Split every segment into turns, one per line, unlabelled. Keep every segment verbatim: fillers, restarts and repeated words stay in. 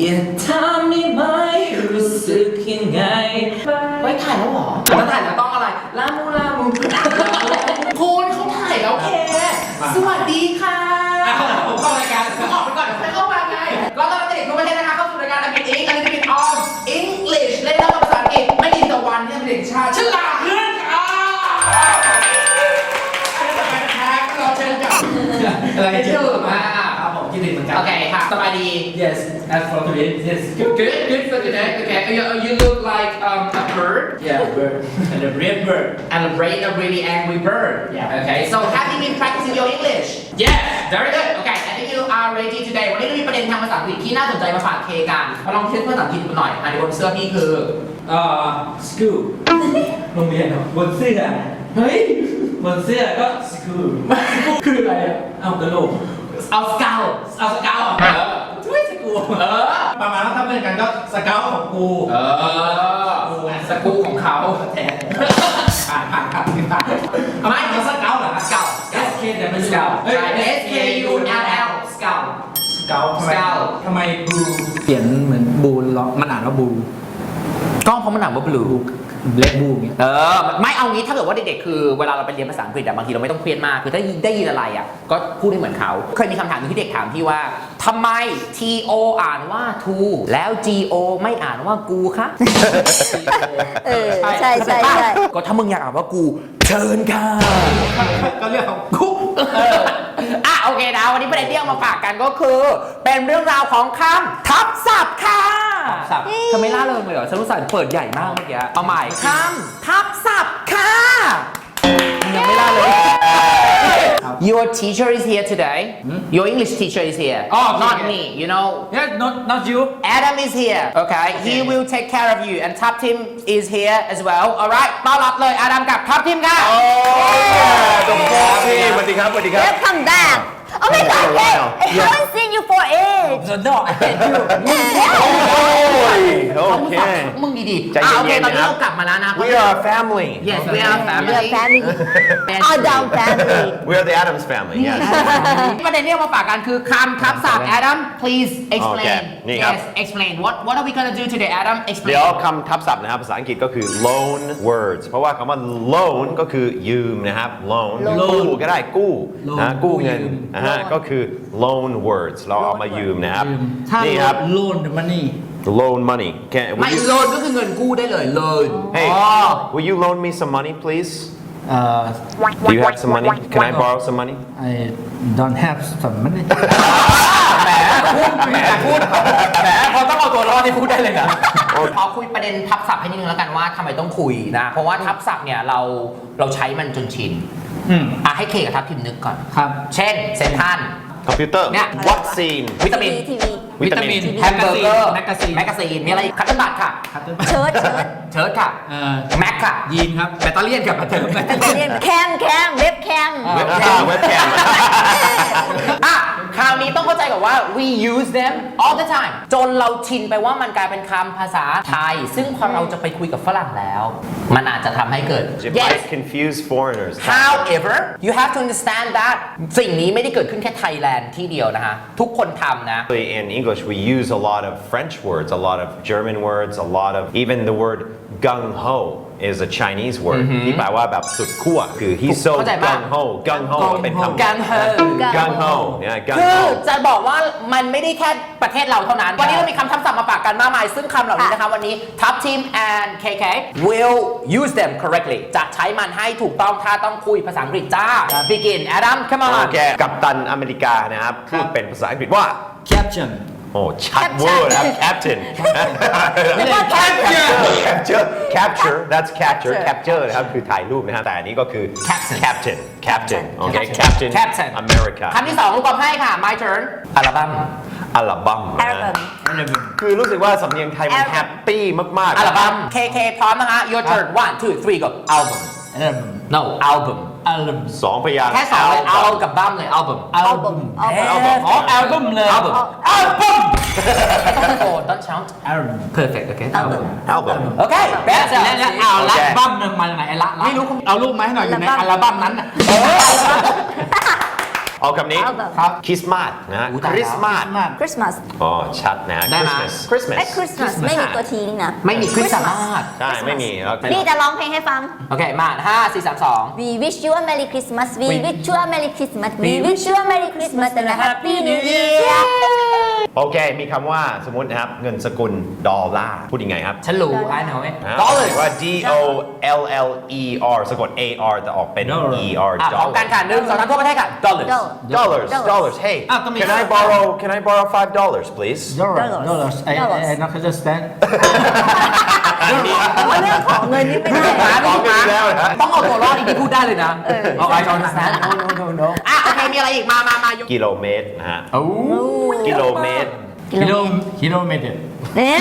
อย่าทำได้ไหมรู้สึกยังไงไว้ถ่ายแล้วเหรอถ้าถ่ายแล้วต้องอะไรลามูลามูคุณเขาถ่ายแล้วแค่สวัสดีค่ะผมเข้ารายการผมออกไปก่อนเดี๋ยวค่อยเข้ามาไงเราตอนเด็กทั่วประเทศนะคะเข้าสู่รายการอังกฤษอิงอังกฤษออม English เล่นแล้วภาษาอังกฤษไม่อินตะวันที่เป็นเด็กชาติฉลาดเรื่องอ่ะอะไรเจอมาครับผมคิดถึงเหมือนกันโอเคค่ะสบายดี yes as for today yes good good good for today okay you you look like um a bird yeah bird and a red bird and a red a really angry bird yeah okay so have you been practicing your English yes very good okay I think you are ready today วันนี้เรามีประเด็นทางภาษาอังกฤษที่น่าสนใจมาฝากเคกันมาลองเทสภาษาอังกฤษกันหน่อยอันนี้บนเสื้อพี่คือเอ่อ school โรงเรียนบนเสื้อเฮ้ยบนเสื้อก็สกูคืออะไรอ่ะเอากระโหลกเอาสเกลเอาสเกลเออช่วยสกูเออประมาณว่าถ้าเป็นกันก็สเกลของกูเออสกูของเขาแทนผ่านผ่านผ่านผ่านไม่เอาสเกลเหรอสเกล S K แต่เป็นสเกลใช่ S K U L L สเกลสเกลทำไมทำไมบูเขียนเหมือนบูล็อกมันอ่านว่าบูก็เพราะมันอ่านว่าบลูเล็กบูมเนี่ยเออไม่เอางี้ถ้าเกิดว่าเด็กๆคือเวลาเราไปเรียนภาษาอังกฤษอะบางทีเราไม่ต้องเครียดมากคือถ้าได้ยินอะไรอะก็พูดให้เหมือนเขาเคยมีคำถามที่เด็กถามพี่ว่าทำไม T O อ่านว่า to แล้ว G O ไม่อ่านว่ากูคะ
เออใช่ใช่ใช่
ก็ถ้ามึงอยากอ่านว่ากูเชิญค่ะก็เรื่องของกูอ่ะโอเคนะวันนี้ประเด็นที่เอามาฝากกันก็คือเป็นเรื่องราวของคำทับศัพท์ค่ะทับศัพท์ทำไมล่าเริงเลยเหรอฉันรู้สึกเปิดใหญ่มากเมื่อกี้เอาใหม่คำทับศัพท์ค่ะยังไม่ล่าเลย Your teacher is here today. Your English teacher is here. Oh, not me. You know.
Yeah, not not you.
Adam is here. Okay. He will take care of you. And Top Tim is here as well. Alright. ต้อนรับเลย Adam กับ Top Tim ค่ะ
โอ้สวัสดีครับสวัสดีครับสวัสดีครับ
Welcome back. Oh my God, hey, I haven't seen you for age.
So no, I hate you.
โอเค
มึงดีๆ
ใจ
อ่าโอเค
เย็นๆ
ตอนนี้
นะครับ
เรากลับมาแล้วนะ
We are a family
Yes we are
We
family
are family. Adam family.
We are the Adams family yes
ประเด็นที่เอามาฝากกันคือคำทับศัพท์ Adam please explain
โอเคนี่ครับ
Yes explain what what are we gonna do today Adam explain
เดี๋ยวคำทับศัพท์นะครับภาษาอังกฤษก็คือ loan words เพราะว่าคำว่า loan ก็คือยืมนะครับ loan กู้ก็ได้กู้นะกู้เงินนะฮะก็คือ loan words เราเอามายืมนะครับ
ถ้า
นี่ครับ
loan the money
loan money can
ไม่
will you,
โลนก็คือเงินกู้ได้เลยโลน
hey will you loan me some money please
uh
do you have some money can I borrow some money
I don't have some money
แหมพูดแหมพูดแหมพอต้องเอาตัวรอดที่พูดได้เลยนะพอคุยประเด็นทับศัพท์ให้นิดนึงแล้วกันว่าทำไมต้องคุยนะเพราะว่าทับศัพท์เนี่ยเราเราใช้มันจนชิน
อืม
อ่ะให้เคกับทับทิมนึกก่อน
ครับ
เช่นเซนทัน
คอมพิวเตอร์
เนี่ย
วัคซีน
วิตามิน
ทีวี
วิตามิน
แฮมเบอร์เกอร์
แมกกาซีน
แมกกาซีนมีอะไรคัตเติ้ลบัตค่ะ
เชิดเชิด
เชิร์ตค่ะ
เอ่อ
แม็กค่ะ
ยีนครับแบตเตอรี่กับแบตเตอรี่
เรียนแคมแคมเว็บแคม
เว็บแคมเว็บแคม
อ่ะคราวนี้ต้องเข้าใจก่อนว่า we use them all the time จนเราชินไปว่ามันกลายเป็นคำภาษาไทย ซึ่งพอเราจะไปคุยกับฝรั่งแล้ว มันอาจจะทำให้เกิด
It
yes
might confuse foreigners
however you have to understand that สิ่งนี้ไม่ได้เกิดขึ้นแค่ไทยแลนด์ที่เดียวนะฮะทุกคนทำนะ
In English, we use a lot of French words, a lot of German words, a lot of even the word gung ho is a Chinese word ที่แปลว่าแบบสุดขั้วคือ he's so
เข้าใจปะ
gung ho gung ho เป็นคำ
gung ho
gung ho yeah
คื
gung
อ
ho
จะบอกว่ามันไม่ได้แค่ประเทศเราเท่านั้น วันนี้เรามีคำทับศัพท์มาฝากกันมากมาย ซึ่งคำเหล่านี้นะคะวันนี้ Top Team and เค เค will use them correctly จะใช้มันให้ถูกต้องถ้าต้องคุยภาษาอังกฤษจ้า begin Adam come on
โอเคกัปตันอเมริกานะครับพูดเป็นภาษาอังกฤษว่า
caption
โอ้ชัดเวอร์นะครับ captain
แล้วก็
capture capture capture that's capture capture นะครับคือถ่ายรูปนะครับแต่อันนี้ก็คือ
Captain
captain captain โอเค captain
Captain
America
คำที่สองลูกบอลให้ค่ะ my turn อัลบั้ม
อัลบั้ม
อัลบั้ม
คือรู้สึกว่าสำเนียงไทยมันแฮปปี้มากๆ
อัลบั้ม เค เค พร้อมนะคะ your turn one two three go album
album
no album
album
สองพยางค์
แค่สองเลย เอากับบั้มเลย album
album
album
อ๋อ album เลย
album album ต้องตะโกน don't shout
album
perfect okay album
album
โอเค best
แล้วแล้วเอาละบั้มมันมาจากไหนไอ้ละละ
ไม่รู้
เอารูปมาให้หน่อยอยู่ในอัลบั้มนั้นน่ะ
เอาคำนี้
เอาแบบ
ครับ
คริสต์มาสนะฮะ
อู้
ค
ตายแล้ว
ริสต์มาส
Christmas
อ๋อชัดนะฮะ
ได้ไหม
Christmas
ไอ้
Christmas
Christmas ไม่มีตัวทีนี่นะ
ไม่มีคริสต์มาส
ใช่ไม่มีแล้ว
นี่จะร้องเพลงให้ฟัง
โอเคมาห้าสี่สามสอง
We wish you a Merry Christmas We
We-
wish you a Merry Christmas We wish you a Merry Christmas and a Happy New Year
โอเค มีคำว่าสมมตินะครับ เงินสกุลดอลลาร์พูดยังไงครับ
ฉันรู้อ่านหน่อย
นะ
dollars
ว่า D O L L E R สะกด A R แต่ออกเป็น
Dollar
E R
อ่ะพร้อมกันค่ะหนึ่งสองสามทั่วประเทศค่ะ dollars
Dollar
dollars dollars hey
อ่ะก็มี
can I borrow can I borrow five dollars please
dollars
Dollars
dollars I
Dollars
I not understand
แต่ว่าเรื่องของเงินนี่ไม่ได้
หา
ข
ไม่
อง
ถูก
เงิน
หา
แล้วนะ
ต้องเอาตัวรอดอีกที่พูดได้เลยนะ
เออ
เอาไอ้จอนนะ no no no no อ่ะโอเคมีอะไรอีกมามามายก
กิโลเมตรนะฮะ
โอ้
กิโลเมตร
กิโลกิโลเมตร
เนี่ย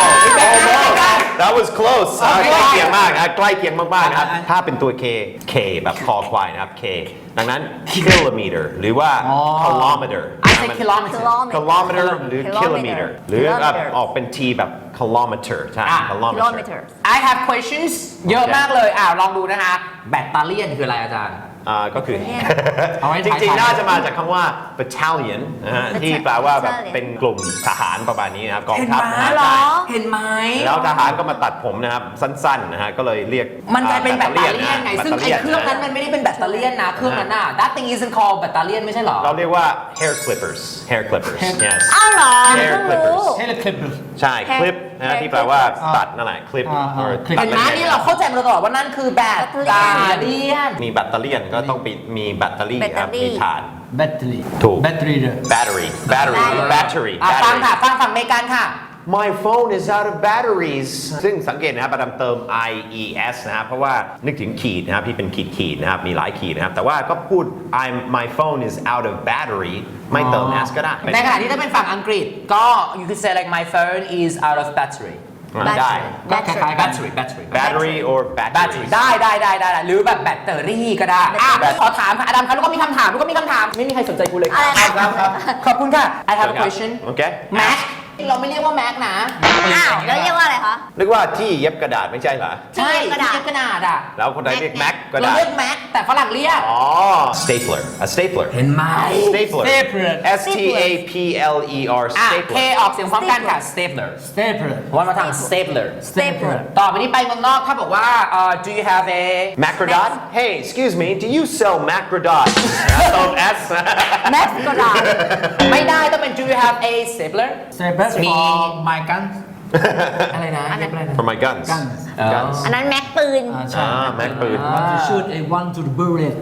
That was close อ่ะ
โอเค
ใกล้เคียงมากนะใกล้เคียงมากๆนะครับ
อ่ะอ่ะ
ถ้าเป็นตัว K K แบบคอควายนะครับ K ดังนั้น kilometer หรือว่า
อ๋อ
kilometer
I say kilometer
kilometer หรือ
Kilometer
kilometer หรือแบบ
Kilometer
ออกเป็น T แบบ kilometer ใช่
อ่ะ
kilometer
Kilometer
I have questions เยอะมากเลยอ่าลองดูนะคะแบตเตอรี่คืออะไรอาจารย์
อ่าก็คือ
เอาไว้
จ
ถ่าย
ริง
ถ่าย
ๆ น่าจะมาจากคำว่า battalion นะฮะ
Battalion
ที่แปลว่าแบบเป็นกลุ่มทหารประมาณนี้นะครับกอง
เห็น
ทัพ
ไหม
นะฮะ
เหรอ
เห็นไหม
แล้วทหารก็มาตัดผมนะครับ สั้นๆ นะฮะ ก็เลยเรียก
มันกลายเป็นแบตเตอรี่
ะ
ไง ซึ่งไอ้เครื่องนั้นมันไม่ได้เป็นแบตเตอรี่นะ เครื่องนั้นน่ะ that thing isn't called แบตเตอรี่ไม่ใช่เหรอ
เราเรียกว่า hair clippers hair clippers yes
อ้าวเหรอ
Hair
เพิ่งรู้
clippers
เฮลิคลิป
ใช่
Hair-
คลิปนะฮะ
hair
ที่แปลว่า
clippers
ตัดนั่นแหละคลิป
อ่าอ่า
or
คลิป
ตัด
เห็นไหม
ละเอียด
นี่เราเข้าใจมาตลอดว่านั่นคือแบตเตอรี่
มีแบตเตอรี่ก็ต้องมีแบตเตอรี่ครับ
แบตเตอรี่
มีถ่าน
แบตเตอรี่
ถูก
แบตเตอรี่เลย
battery battery battery
อ่ะฟัง
battery
ค่ะ ฟังฝั่งอเมริกันค่ะ
My phone is out of batteries ซึ่งสังเกตนะครับประดามเติม I E S นะครับ เพราะว่านึกถึงขีดนะครับที่เป็นขีดขีดๆนะครับ มีหลายขีดนะครับ แต่ว่าก็พูด I'm my phone is out of battery ไม่เติม S ก็ได้
ในขณะที่ถ้าเป็นฝั่งอังกฤษก็ you could say like my phone is out of battery
ได้
ก็คล้ายๆ battery battery
battery or
battery
battery
ได้ได้ได้ได้หรือแบบแบตเตอรี่ก็ได้อ่ะขอถามค่ะอดัมคะลูกก็มีคำถามลูกก็มีคำถาม ไม่มีใครสนใจกูเลย
อะไรนะ
ครับครับขอบคุณค่ะ I have a question
โอเค
Mac เราไม่เรียกว่า Mac นะ
อ้าวแล้วเรียกว่าอะไรคะ
นึกว่าที่เย็บกระดาษไม่ใช่เหรอ
ใช่
ที่เย็บกระดาษ
ที่เย็บกระดาษอ่ะ
แล้วคนไทยเรียก Mac กระ
เรา
ดาษ
เรียก Mac แต่ฝรั่งเรียก
อ๋อ stapler a stapler
เห็นไหม
stapler
stapler
S T A P L E R
อ่ะ K
stapler
ออกเสียงพร้อมกันค่ะ stapler
Stapler.
วันมาทาง stapler
Stapler.
ต่อไปนี้ไปเมืองนอกถ้าบอกว่าเอ่อ do you have a
Macrodot Hey excuse me do you sell Macrodot เติม S
Mac กระดาษ
ไม่ได้ต้องเป็น do you have a stapler
Stapler
มี
for my guns.
อะไรนะเรียกอะไรนะ
for my guns
Guns.
อ๋อ
อันนั้นแม็กปืน
อ่า
อ่า
ใช่
Mac ปืน
Want to shoot a one to the bullet.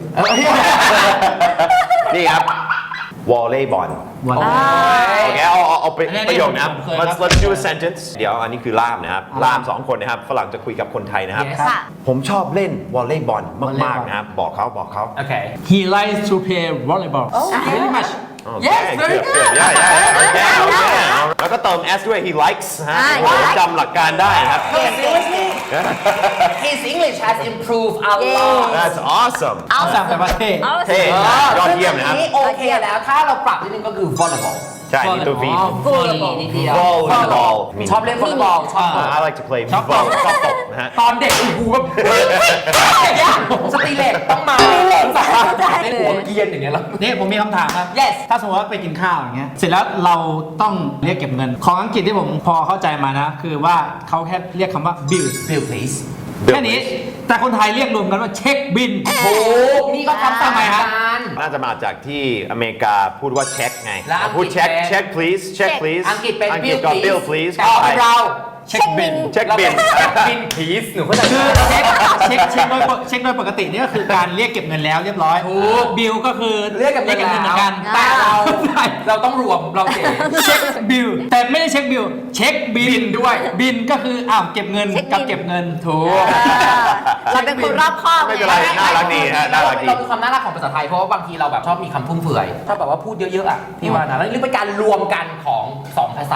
นี่ครับวอลเลย์บอล
One.
โอเคเอาเอาเอาไป
อันนี้
ประโยคนะครับ
ผมเคย
let's
ครับ
let's do a sentence เดี๋ยวอันนี้คือล่ามนะครับ ล่ามสองคนนะครับ ฝรั่งจะคุยกับคนไทยนะครับ
Yes
ค่ะ
ผมชอบเล่นวอลเลย์บอลมาก
Volleyball
ๆนะครับ บอกเขาบอกเขา
โอเค
He likes to play volleyball. Very much.
โอเค
Yes, very
เกือบ
good
เกือบ yeah, yeah, yeah, โอเคโอเคแล้วก็เติม S ด้วย he likes ฮะ
อ่า
โอ้โหจำหลักการได้ครับ
No, seriously his English has improved a lot
That's awesome
เอา
สั่งแต่ว่าเท่
เอา
เท่
สิ
ยอดเยี่ยมนะครับ
ซึ่งอันนี้โอเคแล้วถ้าเราปรับนิดนึงก็คือ volleyball
ใช่นี่ตัว V
อ๋อ
volleyball นิดเดียว
volleyball
ชอบเล่น volleyball ชอบ
Uh, I like to play
ชอบตบ
volleyball ชอบตบนะฮะ
ตอนเด็กกูแบบสตีเล็กต้องมาในหัวเกียนอย่างเงี้ยแล้ว
นี่ผมมีคำถามครับ
Yes
ถ้าสมมติว่าไปกินข้าวอย่างเงี้ย เสร็จแล้วเราต้องเรียกเก็บเงิน ของอังกฤษที่ผมพอเข้าใจมานะ คือว่าเขาแค่เรียกคำว่า bill
Bill please
แค่นี้ แต่คนไทยเรียกรวมกันว่าเช็คบิน
โอ้นี่ก็ทำ
ทำไมครับ
กัน
น่าจะมาจากที่อเมริกาพูดว่าเช็คไง
แล้วอังกฤษ
พูดเช็ค
เป็น
เช็ค please เช็ค please
อังกฤษเป็น
อังกฤษ
bill
ก็
please
bill please
แต่ของเรา
เช็คบิน
เช็คบิน
บิน please หนูเข้าใจ
คือเช็คเช็คเช็คโดยปกเช็คโดยปกตินี่ก็คือการเรียกเก็บเงินแล้วเรียบร้อย
ถูก
บิลก็คือ
เรียกกับ
เรียกเก็บเงินเหมือนกัน
แต่เรา
ใช่
เราต้องรวมเราเก๋
เช็คบิลแต่ไม่ได้เช็คบิลเช็คบิ
บิ
น
นด้วย
บินก็คืออ้าวเก็บเงิน
เช็คบิล
กับเก็บเงินถูก
เออเราเป็นคนรอบคอบ
ไม่
ไง
เป็นไร น่ารักดีฮะน่ารักดี
เรามีความน่ารักของภาษาไทยเพราะว่าบางทีเราแบบชอบมีคำฟุ่มเฟือยถ้าแบบว่าพูดเยอะๆอ่ะพี่ว่านะแล้วนี่เป็นการรวมกันของสองภาษาแหละแต่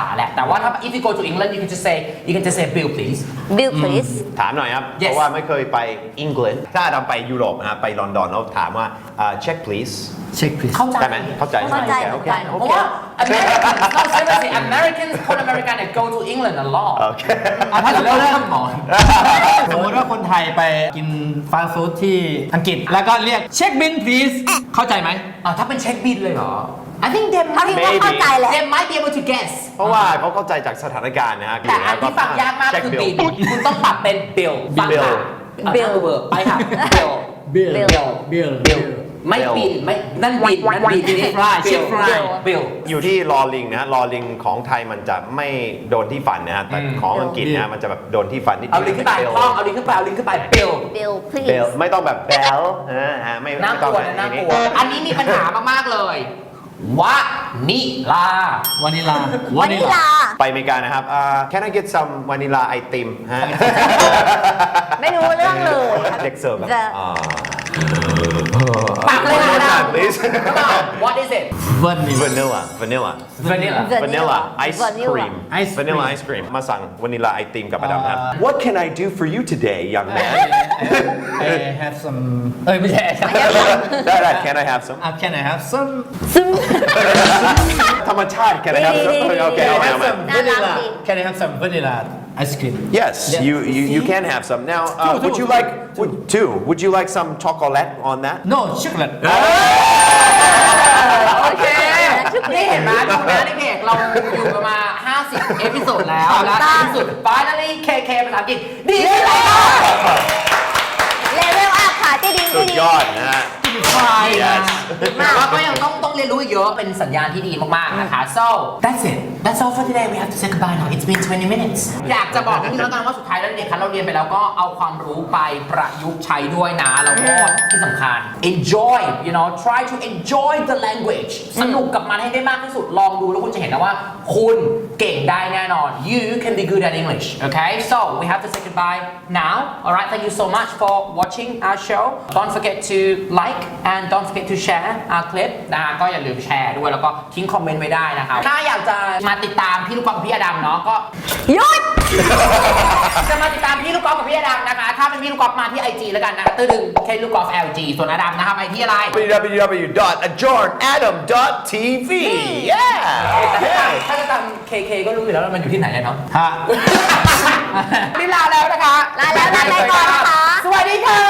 แต่ว่าถ้า if you go to England you can just say you can just say bill please
Bill please
ถามหน่อยครับ
Yes
เพราะว่าไม่เคยไปอังกฤษถ้าเราไปยุโรปนะฮะไปลอนดอนแล้วถามว่าอ่า check please
check please
เข้าใจ
ได้ไหมเข้าใจ
เข้าใจ
โอเค
เข้าใจ
โอ
เพ
เค
ราะว่า Americans no seriously Americans คนอเมริกันเนี่ย go to England a lot
โอเค
อ่ะถ้าสมมติว่า
หมอน
สมมติว่าคนไทยไปกินฟาสต์ฟู้ดที่อังกฤษ แล้วก็เรียกเช็คบิน please เข้าใจไหม
อ่ะถ้าเป็นเช็คบินเลยเหรอ I think they
เขาคิด
might
ว่าเข้าใจแหละ
they might be able to guess
เพราะว่าเขาเข้าใจจากสถานการณ์นะฮะ
แต่อันที่ฟังยากมาก
เช็ค
คือ
บิ
บิ
ล
ลคุณต้องปรับเป็น bill ฟังค่ะ
Bill
bill ไปค่ะ bill
bill
Bill
bill
bill ไม่บินไม่นั่นบินนั่นบินนี่
fry
bill
check fry
bill
อยู่ที่ลอลิงนะฮะลอลิงของไทยมันจะไม่โดนที่ฟันนะฮะแต่ของอังกฤษนะฮะมันจะแบบโดนที่ฟันนิด
เอาลิงก์ขึ้นไป
Bill
ท่องเอาลิงก์ขึ้นไปเอาลิงก์ขึ้นไป bill
Bill
เบ
please
ลไม่ต้องแบบแบลนะฮะไม่
น่า
ไม่
ก
ต้อง
ลัว
แบบ
นะน่าก
นี้
ลัวอันนี้มีปัญหามากๆเลยวะนิลาว
านิลาว
านิลา
ไปอเมริกานะครับอ่า Can I get some vanilla ice cream ฮะ
ไม่รู้เรื่องเลย
เด็กเสิร์ฟแบบ
The
อ่า
ปากเลย
One more
นะ
time, please
Come on what is it
vanilla
vanilla vanilla
vanilla
vanilla ice
Vanilla
cream
Ice cream
vanilla ice cream มาสั่งวานิลาไอติมกับมาดามครับ What can I do for you today young man
I have some เอ้ยไม่ใช่
ได้ได้ Can I have some
Uh, can I have some
ซึ่ง
ธรรมชาติ Can I have some
ดีๆๆ
โอเค
Can
เอา
I
ใหม่
have
เอาใหม่
some
น่ารัก
vanilla
ดี
Can I have some vanilla ice cream
Yes,
Yeah.
you, you you can have some. Now, uh,
Two,
would
two,
you
two,
like
two.
would, two? Would you like some chocolate on that?
No chocolate
โอเค นี่เห็นไหมดูนะในเพจเราอยู่กันมาห้าสิบเอพิโซดแล้วและในที่สุด finally เค เค ภาษาอังกฤษดีขึ้นแล้ว
เลเวลอัพค่ะที่ดี
สุ
ที่
ด
ดี
ยอดนะฮะ Yes
แต่ว่าก็ยังต้องต้องเรียนรู้อีกเยอะเป็นสัญญาณที่ดีมากๆนะคะ so that's it that's all for today we have to say goodbye now it's been twenty minutes อยากจะบอกนิดนึงแล้วกันว่าสุดท้ายแล้วเด็กๆคะเราเรียนไปแล้วก็เอาความรู้ไปประยุกต์ใช้ด้วยนะแล้วก็ที่สำคัญ enjoy you know try to enjoy the language สนุกกับมันให้ได้มากที่สุดลองดูแล้วคุณจะเห็นนะว่าคุณเก่งได้แน่นอน you can be good at English okay so we have to say goodbye now alright thank you so much for watching our show don't forget to like and don't forget to share our clip นะฮะก็อย่าลืมแชร์ด้วยแล้วก็ทิ้งคอมเมนต์ไว้ได้นะครับถ้าอยากจะมาติดตามพี่ลูกกอล์ฟกับพี่อดัมเนาะก็
หยุด
จะมาติดตามพี่ลูกกอล์ฟกับพี่อดัมนะคะถ้าเป็นพี่ลูกกอล์ฟมาที่ ไอ จี แล้วกันนะคะตื้อดึงแค่ลูกกอล์ฟ แอล จี ส่วนอดัมนะครับไปที่อะไร
w w w dot adjourn adam dot t v yeah
ถ้าจะตามเค เค ก็รู้อยู่แล้วว่ามันอยู่ที่ไหนอะเนาะ
ฮะ
นี่ลาแล้วนะคะ
ลาแล้วลาไปก่อนนะคะ
สวัสดีค่ะ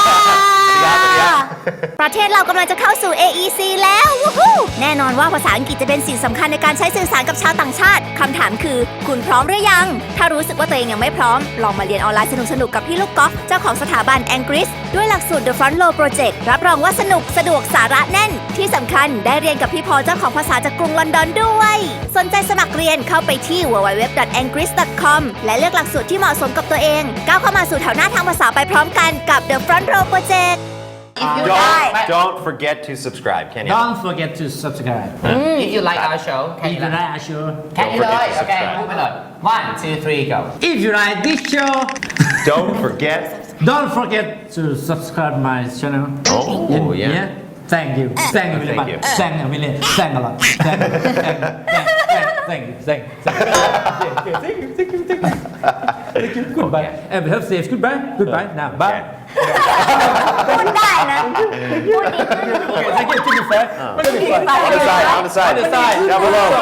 ประเทศเรากำลังจะเข้าสู่ เอ อี ซี แล้ววู้ฮู้แน่นอนว่าภาษาอังกฤษจะเป็นสิ่งสำคัญในการใช้สื่อสารกับชาวต่างชาติคำถามคือ คุณพร้อมหรือยัง ถ้ารู้สึกว่าตัวเองยังไม่พร้อม ลองมาเรียนออนไลน์สนุกๆ กับพี่ลูกกอล์ฟเจ้าของสถาบัน Angris ด้วยหลักสูตร The Front Row Project รับรองว่าสนุกสะดวกสาระแน่น ที่สำคัญได้เรียนกับพี่พอเจ้าของภาษาจากกรุงลอนดอนด้วย สนใจสมัครเรียนเข้าไปที่ ดับเบิลยู ดับเบิลยู ดับเบิลยู ดอท แองกริส ดอท คอม และเลือกหลักสูตรที่เหมาะสมกับตัวเองก้าวเข้ามาสู่แถวหน้าทางภาษาไปพร้อมกันกับ The Front Row Project
don't don't forget to subscribe can you
Don't forget to subscribe
If you like our show
If you like our show
แค่นี้เลยโอเคพูดไปเลย one two three go
If you like this show
don't forget
Don't forget to subscribe my channel
oh yeah
Thank you Thank you very
Thank
much
you.
Thank you really Thank a lot Thank you Thank Thank you Thank you Thank you Thank you Thank you Thank you Thank you Goodbye And we have safe goodbye Goodbye now Bye
พูดได้นะ พูดดีขึ้น
Okay, thank you. Keep it fair.
on the side on the side
On the side.
down below